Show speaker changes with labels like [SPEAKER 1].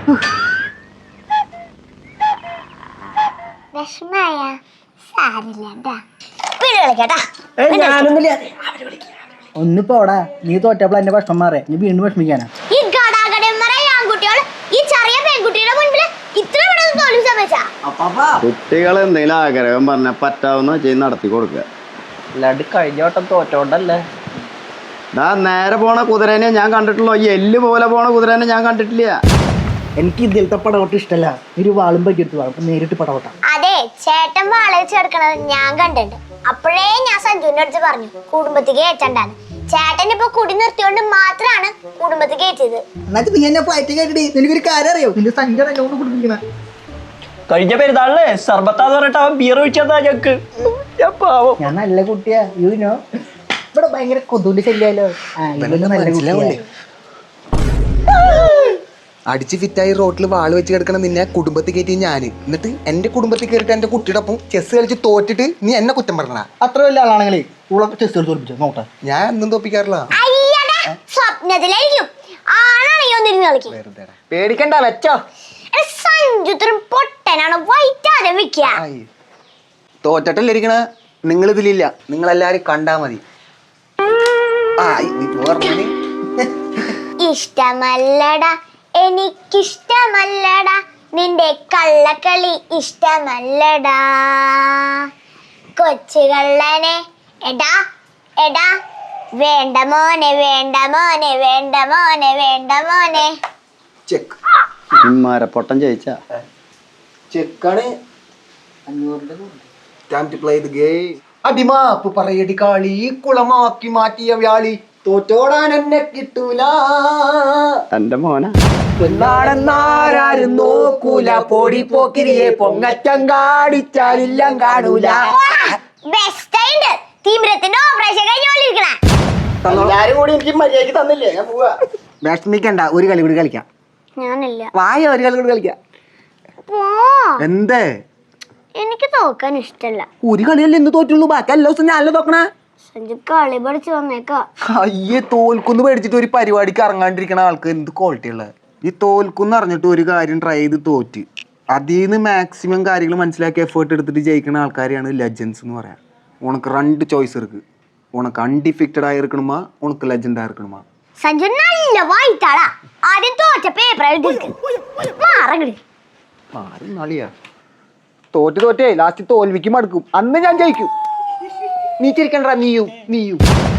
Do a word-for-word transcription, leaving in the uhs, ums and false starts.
[SPEAKER 1] ഒന്നിപ്പോടാ നീ തോറ്റപ്പോൾ എന്റെ ഭക്ഷണം മാറേ നീ വീണ്ടും വിഷമിക്കാനാ.
[SPEAKER 2] കുട്ടികൾ എന്തെങ്കിലും ആഗ്രഹം പറഞ്ഞാൽ പറ്റാവുന്ന ചെയ്ത് നടത്തി കൊടുക്കുക.
[SPEAKER 1] അല്ലാണ്ട് കഴിഞ്ഞ വട്ടം തോറ്റോണ്ടല്ലേ.
[SPEAKER 2] ഡാ നേരെ പോണ കുതിരനെ ഞാൻ കണ്ടിട്ടുള്ളൂ, ഈ എല്ല് പോലെ പോണ കുതിരനെ ഞാൻ കണ്ടിട്ടില്ല.
[SPEAKER 1] എനിക്ക് ഇതിലത്തെ പടവട്ടം ഇഷ്ടല്ല. ഒരു വാളും പറ്റിയെടുത്ത് വാളും നേരിട്ട് പടവട്ടം.
[SPEAKER 3] അതെ ചേട്ടൻ വാള വെച്ചെടുക്കണത് ഞാൻ കണ്ടിട്ടുണ്ട്. അപ്പോഴേ ഞാൻ സഞ്ജുവിന്റെ അടുത്ത് പറഞ്ഞു കുടുംബത്തിക്ക് കയറ്റണ്ടാന്ന്. ചേട്ടൻ ഇപ്പൊ കുടി നിർത്തിയോണ്ട് മാത്രാണ് കുടുംബത്തിൽ കയറ്റിയത്.
[SPEAKER 1] എന്നിട്ട് നീ എന്നെ ഫ്ലൈറ്റ് കയറ്റി എനിക്കൊരു കാര്യം അറിയോ? നിന്റെ സഞ്ജന എന്നോട് കുടിപ്പിക്കണ
[SPEAKER 4] കഴിഞ്ഞ പെരുന്നാളിലെ സർബത്താന്ന് പറഞ്ഞിട്ട് അവൻ ബിയർ ഒഴിച്ചതാ ഞക്ക്.
[SPEAKER 1] ഞാൻ നല്ല കുട്ടിയാ. യൂനോ ഇവിടെ ഭയങ്കര കൊതുവിന്റെ ശല്യാലോ.
[SPEAKER 5] അടിച്ച് ഫിറ്റായി റോട്ടിൽ വാള് വെച്ച് കിടക്കണം നിന്നെ കുടുംബത്തിൽ കയറ്റി ഞാൻ. എന്നിട്ട് എന്റെ കുടുംബത്തിൽ കയറിയിട്ട് എന്റെ കുട്ടിയുടെ ഒപ്പം ചെസ് കളിച്ച് തോറ്റിട്ട് നീ എന്നെ കുറ്റം പറഞ്ഞ.
[SPEAKER 1] അത്ര വലിയ ആളാണെങ്കിലേ ചെസ് കളിച്ച് തോൽപ്പിച്ചു നോട്ടെ.
[SPEAKER 5] ഞാൻ എന്നും തോപ്പിക്കാറില്ല.
[SPEAKER 3] സ്വപ്നത്തിലായിരിക്കും ആണാണെങ്കിൽ
[SPEAKER 1] പേടിക്കണ്ട വെച്ചോ.
[SPEAKER 3] സഞ്ജുത്രം പൊട്ടനാണ് വൈറ്റാതെ വെക്ക.
[SPEAKER 5] തോറ്റട്ടല്ലേ ഇരിക്കണ. നിങ്ങൾ ഇതിലില്ല, നിങ്ങളെല്ലാരും കണ്ടാ മതി.
[SPEAKER 3] ഇഷ്ടമല്ലടാ എനിക്കിഷ്ടമല്ലടാ നിന്റെ കള്ളക്കളി ഇഷ്ടമല്ലടാ കൊച്ചു കള്ളനെ എടാ എടാ വേണ്ട മോനെ വേണ്ട മോനെ വേണ്ട മോനെ വേണ്ട മോനെ.
[SPEAKER 5] ചെക്ക്
[SPEAKER 2] മരപ്പൊട്ടം ജയിച്ച
[SPEAKER 5] ചെക്കാണ്. അടിമാപ്പ് പറയടി കാളി കുളമാക്കി മാറ്റിയ വ്യാളി തോറ്റോടാൻ എന്നെ കിട്ടൂല.
[SPEAKER 2] എന്റെ മോന
[SPEAKER 5] എന്നാരെന്നാരും നോക്കൂല. പൊടി പോക്കിരിയെ പൊങ്ങച്ചം കാടിച്ചാലില്ലാം കാണൂല.
[SPEAKER 1] എല്ലാരും കൂടി എനിക്ക് മര്യാദക്ക് തന്നില്ലേ? ഞാൻ പോവാ.
[SPEAKER 5] വിഷമിക്കണ്ട, ഒരു കളി കൂടി കളിക്കാം.
[SPEAKER 3] ഞാനില്ല.
[SPEAKER 5] വായ ഒരു കളി കൂടി കളിക്കാം. എന്തേ?
[SPEAKER 3] എനിക്ക് തോക്കാൻ ഇഷ്ടല്ല.
[SPEAKER 5] ഒരു കളിയല്ലേ എന്ത് തോറ്റുള്ളൂ, ബാക്കി എല്ലാ ദിവസം ഞാനല്ലേ തോക്കണേ.
[SPEAKER 3] സഞ്ജു കളി പഠിച്ചു വന്നേക്കാ.
[SPEAKER 5] അയ്യേ തോൽക്കുന്ന് പേടിച്ചിട്ട് ഒരു പരിപാടിക്ക് ഇറങ്ങാണ്ടിരിക്കണ ആൾക്ക് എന്ത് ക്വാളിറ്റി ഉള്ളത്. ഈ തോൽക്കുന്ന് അറിഞ്ഞിട്ട് ഒരു കാര്യം ട്രൈ ചെയ്ത് തോറ്റ് അതിൽ നിന്ന് മാക്സിമം കാര്യങ്ങൾ മനസ്സിലാക്കി എഫേർട്ട് എടുത്തിട്ട് ജയിക്കുന്ന ആൾക്കാരെയാണ് ലെജൻസ് എന്ന് പറയാം. ഉനക്ക് രണ്ട് ചോയ്സ് ഇருக்கு. ഉനക്ക് അൺഡിഫിക്റ്റഡ് ആയി இருக்கணுமா, ഉനക്ക് ലെജൻഡ് ആയി இருக்கணுமா.
[SPEAKER 3] സഞ്ജു നല്ല വായിത്താളാ. ആദ്യം തോറ്റ പേപ്പർ എഴുതി മാറങ്ങടി.
[SPEAKER 5] ആരും നാളിയാ തോറ്റ് തോറ്റേ ലാസ്റ്റ് തോൽവിക്ക് മടുക്കും. അന്ന് ഞാൻ ജയിക്കും. നീ ചിരിക്കണ്ട, നീയും നീയും